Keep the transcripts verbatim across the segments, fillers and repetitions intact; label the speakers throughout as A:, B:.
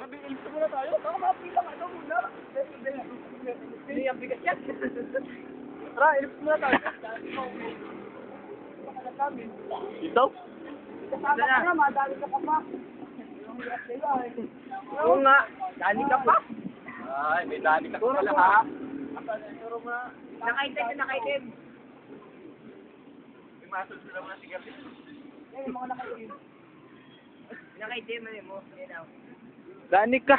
A: Ilips muna tayo. Baka mapila ka ito muna. Hindi, ang bigat yan. Tara, ilips muna tayo.
B: Ito?
A: Kasama ka na, madali ka pa pa.
B: Oo nga.
A: Dali ka pa.
B: Ay, may dali ka pala ha.
A: Nakaitim na nakaitim.
B: May masod sila mga sigarilyo.
A: Eh, yung mga nakaitim. Nakaitim, ano mo? Yan o.
B: Dani ka.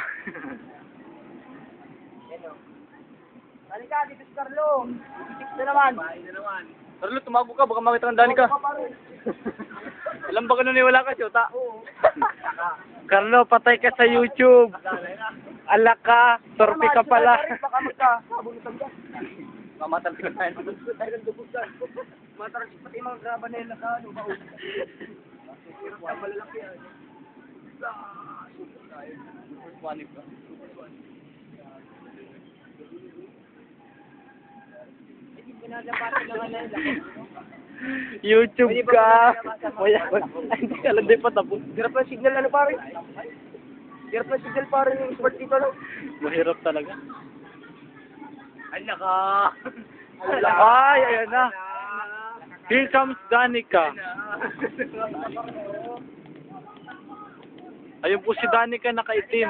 A: Yan o. Dali ka, dito si Carlo. Six na naman.
B: Bahay na naman. Carlo, tumago ka. Baka makita ng Dani ka. Alam ba ka naniwala ka, Chota?
A: Oo.
B: Carlo, patay ka sa YouTube. Ala ka. Torpe ka pala.
A: Baka magka-sabunutan ka.
B: Mamatang ka tayo.
A: Tayo ng dugusan. Matarang pati mga graba na yun na ka. Ano ba? Hirap ka, malalaki yan.
B: Wanip ka.
A: Hindi pinagapatan lang ano yun.
B: YouTube ka. Wala. Hindi ka lang din pa tapos.
A: Hirap na signal ano pare? Hirap na signal pare yung sport dito no?
B: Mahirap talaga.
A: Ay naka.
B: Ay, ayan na. Here comes Danica. Ayun po si Danica nakaitim.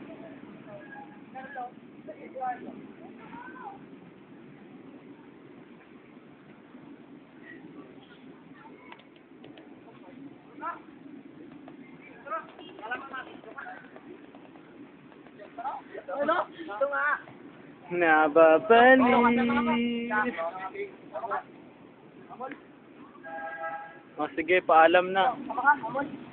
A: Ano? Ito nga.
B: Nababalik. O sige, paalam na.
A: Tama ka, amon.